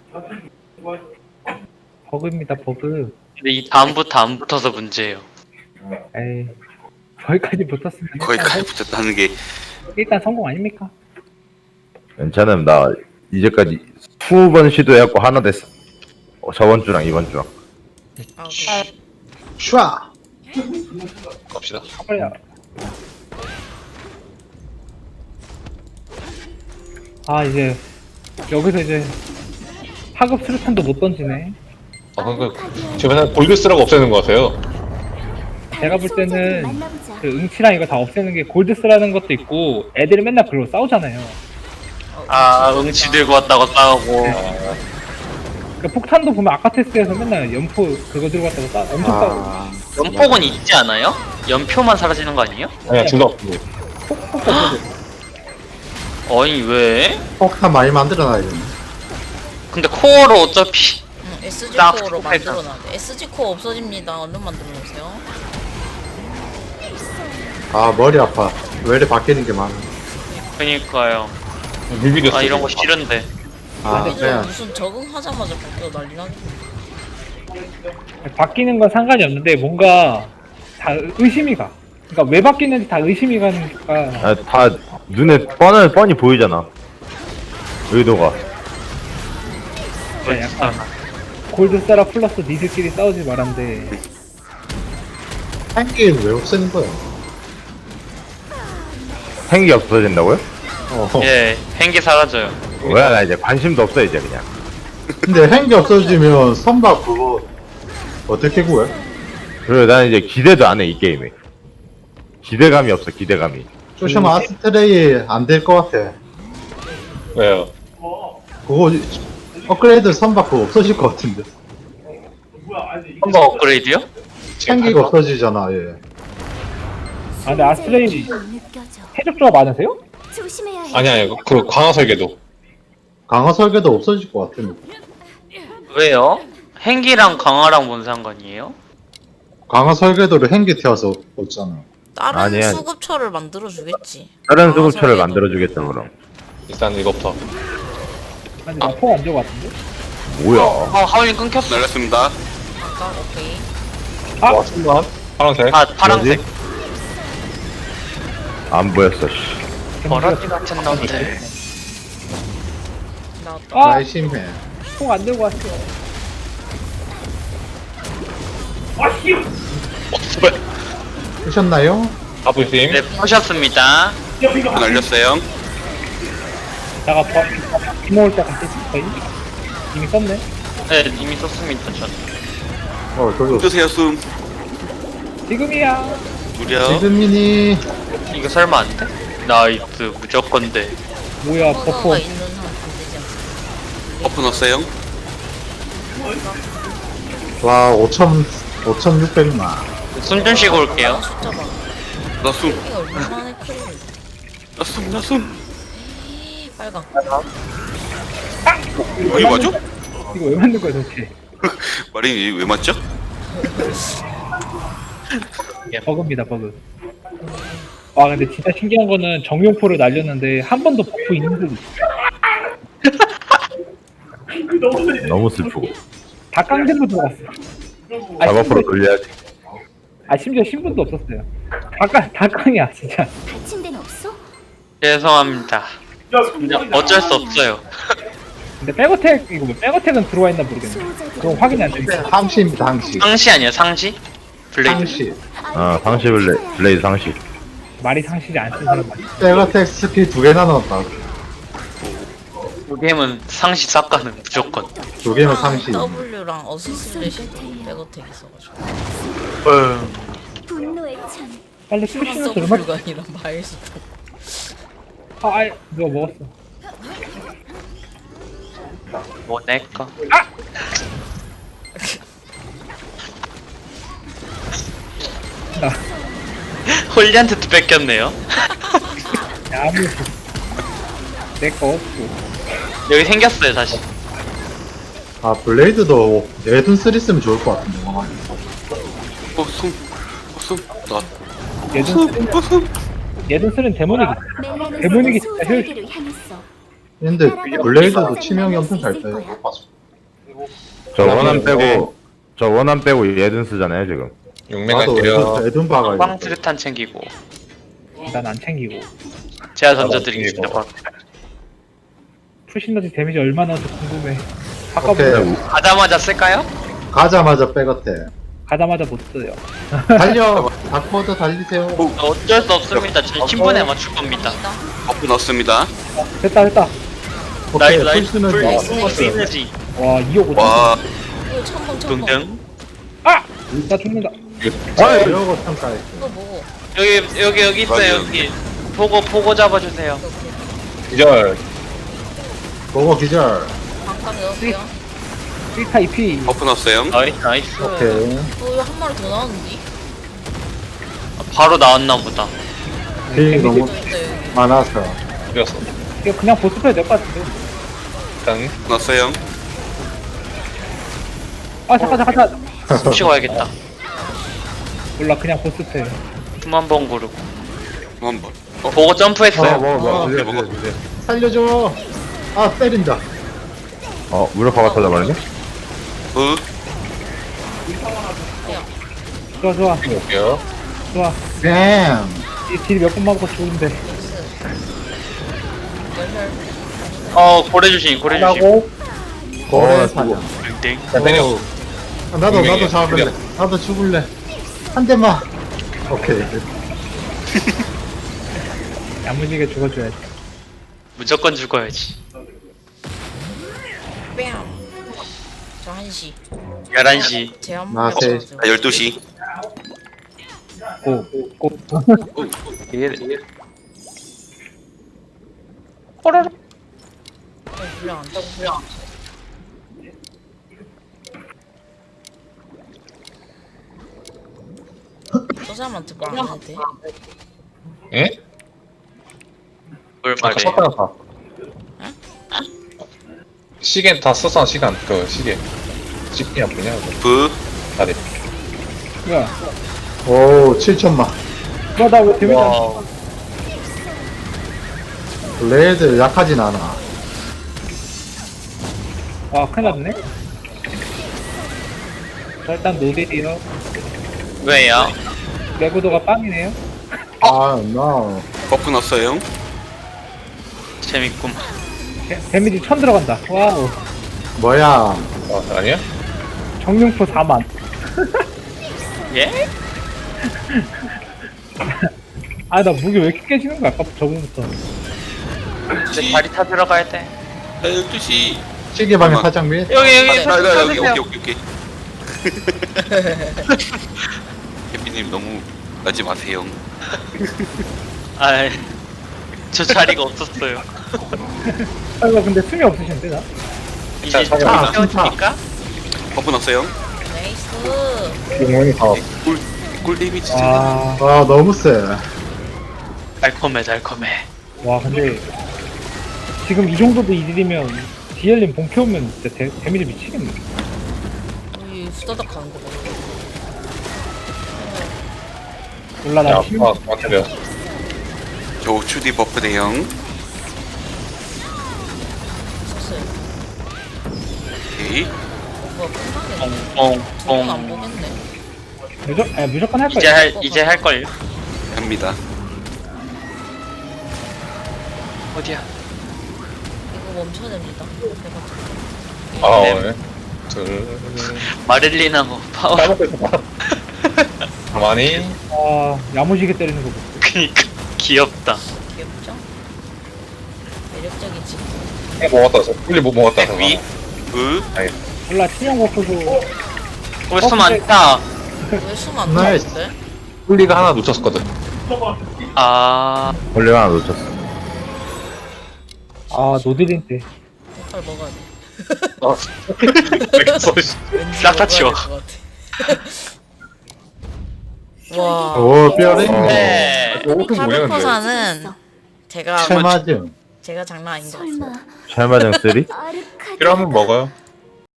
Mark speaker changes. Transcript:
Speaker 1: 버그입니다, 버그.
Speaker 2: 근데 이 다음부터 안 붙어서 문제예요.
Speaker 1: 에이, 거기까지 붙었으면
Speaker 3: 거기까지 붙였다는 게
Speaker 1: 일단 성공 아닙니까?
Speaker 4: 괜찮음. 나 이제까지 20번 시도해갖고 하나 됐어. 저번 주랑 이번 주랑.
Speaker 5: 아,
Speaker 6: 슈아.
Speaker 7: 갑시다.
Speaker 1: 빨리. 아, 이제 여기서 이제 하급 수류탄도 못 던지네.
Speaker 7: 아, 그러니까 주변에 골드스라고 없애는 것 같아요.
Speaker 1: 제가 볼 때는 그 응치랑 이거 다 없애는 게 골드스라는 것도 있고, 애들이 맨날 그걸로 싸우잖아요.
Speaker 2: 아, 응치 들고 왔다고 싸우고.
Speaker 1: 그 폭탄도 보면 아카테스에서 맨날 연포 그거 들고 왔다고 엄청 싸우고.
Speaker 6: 아,
Speaker 2: 연폭은 있지 않아요? 연표만 사라지는 거 아니에요?
Speaker 7: 아니야, 둘 다 없고.
Speaker 1: 폭도 없어져.
Speaker 2: 어이, 왜?
Speaker 6: 폭탄 많이 만들어놔야겠네.
Speaker 2: 근데 코어로 어차피
Speaker 5: SG
Speaker 2: 딱
Speaker 5: 코어로
Speaker 2: 스펙이다.
Speaker 5: 만들어놔야 돼. SG 코어 없어집니다. 얼른 만들어놓으세요.
Speaker 6: 아, 머리 아파. 왜 이렇게 바뀌는 게 많아.
Speaker 2: 그니까요.
Speaker 7: 뮤비도
Speaker 2: 아, 이런 거 싫은데.
Speaker 6: 아,
Speaker 5: 얘들
Speaker 6: 그냥
Speaker 5: 무슨 적응하자마자 바뀌어 난리 나게.
Speaker 1: 바뀌는 건 상관이 없는데 뭔가 다 의심이 가. 그러니까 왜 바뀌는지 다 의심이 가니까.
Speaker 4: 아, 다 눈에 뻔히 보이잖아. 의도가.
Speaker 1: 그러니까 약간 골드스라 플러스 니들끼리 싸우지 말한데.
Speaker 6: 한게임 왜 없애는 거야?
Speaker 4: 행기 없어진다고요?
Speaker 2: 예, 행기 사라져요.
Speaker 4: 뭐야, 나 이제 관심도 없어 이제 그냥.
Speaker 6: 근데 행기 없어지면 선박 그거 어떻게 구해?
Speaker 4: 그리고 난 이제 기대도 안 해 이 게임에. 기대감이 없어 기대감이.
Speaker 6: 조심 아스트레이 안 될 것 같아.
Speaker 7: 왜요?
Speaker 6: 그거 업그레이드 선박 그거 없어질 것 같은데.
Speaker 2: 한번 업그레이드요?
Speaker 6: 행기가 없어지잖아, 예.
Speaker 1: 아, 근데 아스트레이 해적조합 많으세요?
Speaker 8: 조심해야 해.
Speaker 7: 아니야, 그 광화 설계도.
Speaker 6: 강화 설계도 없어질 것 같은데.
Speaker 2: 왜요? 행기랑 강화랑 뭔 상관이에요?
Speaker 6: 강화 설계도를 행기 태워서 없잖아.
Speaker 5: 다른
Speaker 4: 아니야.
Speaker 5: 수급처를 만들어주겠지.
Speaker 4: 다른
Speaker 5: 아,
Speaker 4: 수급처를
Speaker 5: 설계도.
Speaker 4: 만들어주겠다 그럼.
Speaker 7: 일단 이거부터.
Speaker 1: 아니, 나포안 들고 같은데?
Speaker 4: 뭐야?
Speaker 2: 하울링 끊겼어.
Speaker 3: 날렸습니다.
Speaker 5: 아까 오케이.
Speaker 1: 아!
Speaker 7: 와, 순간. 파란색.
Speaker 2: 아, 파란색.
Speaker 4: 안 보였어. 씨.
Speaker 2: 버라지 같은 놈들.
Speaker 5: 나왔다.
Speaker 1: 아!
Speaker 6: 나이 심해.
Speaker 1: 콩안 들고 왔어.
Speaker 6: 쓰셨나요?
Speaker 7: 가부심.
Speaker 2: 네, 보셨습니다.
Speaker 3: 날렸어요.
Speaker 1: 내가 비 먹을 때 같이 거의 이미 썼네.
Speaker 2: 네, 이미 썼습니다, 전.
Speaker 6: 저기
Speaker 3: 뜨세요 숨.
Speaker 1: 지금이야.
Speaker 3: 무려.
Speaker 6: 지금이니.
Speaker 2: 이거 설마 안 돼? 나이스, 무조건 돼.
Speaker 1: 뭐야, 버퍼.
Speaker 5: 코어가 있는 한 안 되지 않습니까?
Speaker 3: 버프 넣었어요.
Speaker 6: 와, 5,600만.
Speaker 2: 숨 좀 쉬고 올게요.
Speaker 5: 숫자 봐.
Speaker 3: 나 숨.
Speaker 5: 이거 얼마나 킬?
Speaker 3: 나 숨. 나 숨.
Speaker 5: 빨강.
Speaker 3: 어이 맞죠?
Speaker 1: 이거 왜 만든 거야, 도대체?
Speaker 3: 마린이 왜 맞죠?
Speaker 1: 버그입니다, 버그. 와, 근데 진짜 신기한 거는 정용포를 날렸는데 한 번도 버프 있는 듯
Speaker 4: 너무 슬프고.
Speaker 1: 다 깡대로 들어갔어.
Speaker 4: 작업으로 돌려야지.
Speaker 1: 심지어 신분도 없었어요. 다 깡이야, 진짜.
Speaker 8: 다친 데는 없어?
Speaker 2: 죄송합니다. 그냥 어쩔 수 없어요.
Speaker 1: 근데 백어택, 이거 뭐 백어택은 들어와 있나 모르겠네. 그거 확인이 안 되니까.
Speaker 6: 항시입니다, 항시.
Speaker 2: 상시 아니야, 상시? 블레이드.
Speaker 6: 항시.
Speaker 4: 상시 블레이드 상시.
Speaker 1: 말이 상실이 안 쓴 사람 많이.
Speaker 6: 세가텍 스킬 2개나 넣었다.
Speaker 2: 이 게임은 상시 싹가는 무조건.
Speaker 6: 2개면 상시.
Speaker 5: W랑 어시슬레이션 백어택 있어가지고.
Speaker 8: 분노의 찬.
Speaker 1: 빨리
Speaker 5: 휴먼
Speaker 1: 푸시면서 얼마나.
Speaker 5: W가 아니라 마일스도.
Speaker 1: 누가 먹었어.
Speaker 2: 뭐 내꺼.
Speaker 1: 나
Speaker 2: 홀리한테도 뺏겼네요.
Speaker 1: 아무 내거 없고.
Speaker 2: 여기 생겼어요, 다시.
Speaker 6: 아, 블레이드도 내돈 쓰리 쓰면 좋을 것 같은데.
Speaker 3: 숨. 숨. 나
Speaker 1: 얘든 쓰는 데모닉이. 데모닉이 진짜 효율.
Speaker 8: 소우자에게로 향했어.
Speaker 6: 근데 블레이드도 치명이 엄청 잘 돼.
Speaker 4: 저 원한 빼고 얘든 쓰잖아요 지금.
Speaker 7: 용맹
Speaker 6: 나도
Speaker 7: 갈게요.
Speaker 6: 애든 박아.
Speaker 2: 빵 수류탄 챙기고
Speaker 1: 난 안 챙기고.
Speaker 2: 제가 던져드리겠습니다.
Speaker 7: 이거.
Speaker 1: 풀시너지 데미지 얼마나 더 궁금해.
Speaker 6: 오케이.
Speaker 1: 아까부터
Speaker 2: 가자마자 쓸까요?
Speaker 6: 가자마자 백어택.
Speaker 1: 가자마자 못 써요.
Speaker 6: 달려. 닥터도 달리세요.
Speaker 2: 어쩔 수 없습니다. 제 친분에 맞출 겁니다.
Speaker 3: 버프 넣습니다.
Speaker 1: 됐다.
Speaker 6: 오케이.
Speaker 2: 나이스
Speaker 6: 풀스는
Speaker 2: 풀 시너지
Speaker 1: 와 2억 5천.
Speaker 3: 와,
Speaker 5: 이거 첨벙
Speaker 2: 등등.
Speaker 1: 아! 나 죽는다.
Speaker 6: 이러고 평가해.
Speaker 5: 이거 뭐?
Speaker 2: 여기 있어요.
Speaker 3: 맞아요.
Speaker 2: 여기 보고 잡아주세요.
Speaker 7: 기절.
Speaker 6: 보고 기절.
Speaker 5: 방방 넣을게요.
Speaker 1: 1타 2피.
Speaker 3: 버프 넣었어요.
Speaker 2: 나이스.
Speaker 6: 오케이.
Speaker 5: 이거 한 마리 더 나왔는데?
Speaker 2: 바로 나왔나 보다.
Speaker 6: 힐 너무
Speaker 5: 또 있다 여기.
Speaker 6: 많아서.
Speaker 7: 이겼어.
Speaker 1: 이거 그냥 보스프레이 될것 같은데.
Speaker 7: 일단
Speaker 3: 넣었어요.
Speaker 1: 아 잠깐.
Speaker 2: 숨 쉬고 와야겠다.
Speaker 1: 몰라 그냥 보스프레이.
Speaker 2: 숨 한 번 고르고.
Speaker 3: 한번.
Speaker 2: 보고 점프했어요.
Speaker 3: 먹어.
Speaker 6: 살려줘. 아 때린다.
Speaker 4: 무력화가 터져버리네.
Speaker 3: 브.
Speaker 1: 좋아.
Speaker 7: 볼게요.
Speaker 1: 좋아.
Speaker 6: 뱀.
Speaker 1: 딜몇 번 맞고 죽은데.
Speaker 5: 열혈.
Speaker 2: 고래 주심.
Speaker 1: 하고
Speaker 6: 고래 사냥.
Speaker 2: 땡.
Speaker 7: 자, 때려.
Speaker 6: 나도 잡을래. 나도 죽을래. 한 대만. 오케이.
Speaker 1: 야무지게 죽어줘야지.
Speaker 2: 무조건 죽어야지.
Speaker 5: 뺨. 저 1시.
Speaker 2: 11시.
Speaker 5: 제한
Speaker 6: 나 세.
Speaker 3: 12시.
Speaker 1: 고.
Speaker 5: 불량 안 돼. 저 사람한테 말 안 해도 돼?
Speaker 7: 예?
Speaker 2: 뭘
Speaker 7: 아까
Speaker 2: 말해.
Speaker 7: 썼다가 다. 시계 다 썼어 시간 그 시계. 시계 안 보냐?
Speaker 3: 브.
Speaker 7: 다리.
Speaker 1: 야,
Speaker 6: 오 7천만.
Speaker 1: 나왜 데미지 안
Speaker 2: 와.
Speaker 6: 레드 약하진 않아.
Speaker 1: 와, 큰일 났네. 자, 일단 노딜이요.
Speaker 2: 왜요?
Speaker 1: 내구도가 빵이네요.
Speaker 6: 아 나.
Speaker 3: 버프 넣었어요.
Speaker 2: 재밌구만.
Speaker 1: 데미지 1000 들어간다. 와우.
Speaker 6: 뭐야?
Speaker 7: 아니야?
Speaker 1: 정룡포 4만.
Speaker 2: 예?
Speaker 1: 아, 나 무기 왜 이렇게 깨지는 거야? 아까 저번부터.
Speaker 2: 이제 다리 타 들어가야 돼.
Speaker 3: 12시.
Speaker 6: 시계방에
Speaker 3: 잠깐만.
Speaker 6: 사장 및.
Speaker 2: 여기
Speaker 3: 나 여기
Speaker 2: 타세요.
Speaker 3: 오케이. 해피님 너무 나지 마세요.
Speaker 2: 아, 저 자리가 없었어요.
Speaker 1: 아, 이거 근데 숨이 없으신데, 나?
Speaker 2: 이제
Speaker 7: 자,
Speaker 6: 자,
Speaker 2: 태워주니까
Speaker 3: 버프 넣었어요.
Speaker 5: 나이스.
Speaker 6: 용원이 다.
Speaker 3: 꿀 데미지.
Speaker 1: 아,
Speaker 6: 아 너무 세.
Speaker 2: 달콤해.
Speaker 1: 와, 근데. 지금 이 정도도 이딜이면, 디엘님 본캐 오면 진짜 데미지 미치겠네.
Speaker 5: 우리 후다닥 가는 거 봐.
Speaker 1: 몰라, 나
Speaker 7: 야,
Speaker 1: 힘.
Speaker 7: 맞춰려.
Speaker 3: 저 우추디 버프 대형.
Speaker 5: 썼어요.
Speaker 3: 오케이.
Speaker 5: 뭐야 끝나네. 두분 안
Speaker 2: 뽕뽕뽕.
Speaker 5: 보겠네.
Speaker 1: 무조건 할 거야.
Speaker 2: 이제 할 걸요.
Speaker 3: 갑니다.
Speaker 2: 어디야?
Speaker 5: 이거 멈춰야 됩니다. 해가지고.
Speaker 7: 아,
Speaker 2: 네.
Speaker 7: 네. 둘.
Speaker 2: 마릴리나고 파워.
Speaker 7: 까먹고 있어. 가만히.
Speaker 1: 아, 야무지게 때리는 거 보고.
Speaker 2: 그니까 귀엽다.
Speaker 5: 귀엽죠? 매력적이지.
Speaker 7: 먹었다. 꿀리 못 먹었다. 저거.
Speaker 2: 위?
Speaker 3: 브.
Speaker 1: 몰라, 치명 워크도.
Speaker 2: 벌써 많다.
Speaker 5: 왜 숨 안
Speaker 6: 나이스.
Speaker 5: 나왔대?
Speaker 7: 꿀리가 하나 놓쳤거든.
Speaker 2: 아,
Speaker 4: 원래 하나 놓쳤어.
Speaker 1: 아, 노딜인데.
Speaker 5: 빨리 먹어야 돼.
Speaker 7: 그래서
Speaker 5: 왠지
Speaker 2: 싹다
Speaker 5: 먹어야
Speaker 2: 치워.
Speaker 5: 될것 같아. 와.
Speaker 6: 오 뼈랬네.
Speaker 2: 네.
Speaker 7: 옷은 뭐냐는데.
Speaker 5: 카르퍼사는 제가
Speaker 6: 체맞음.
Speaker 5: 제가 장난 아닌 것 같아요.
Speaker 8: 설마
Speaker 4: 찰마정 3?
Speaker 8: 아르카디
Speaker 7: 필요하면 먹어요.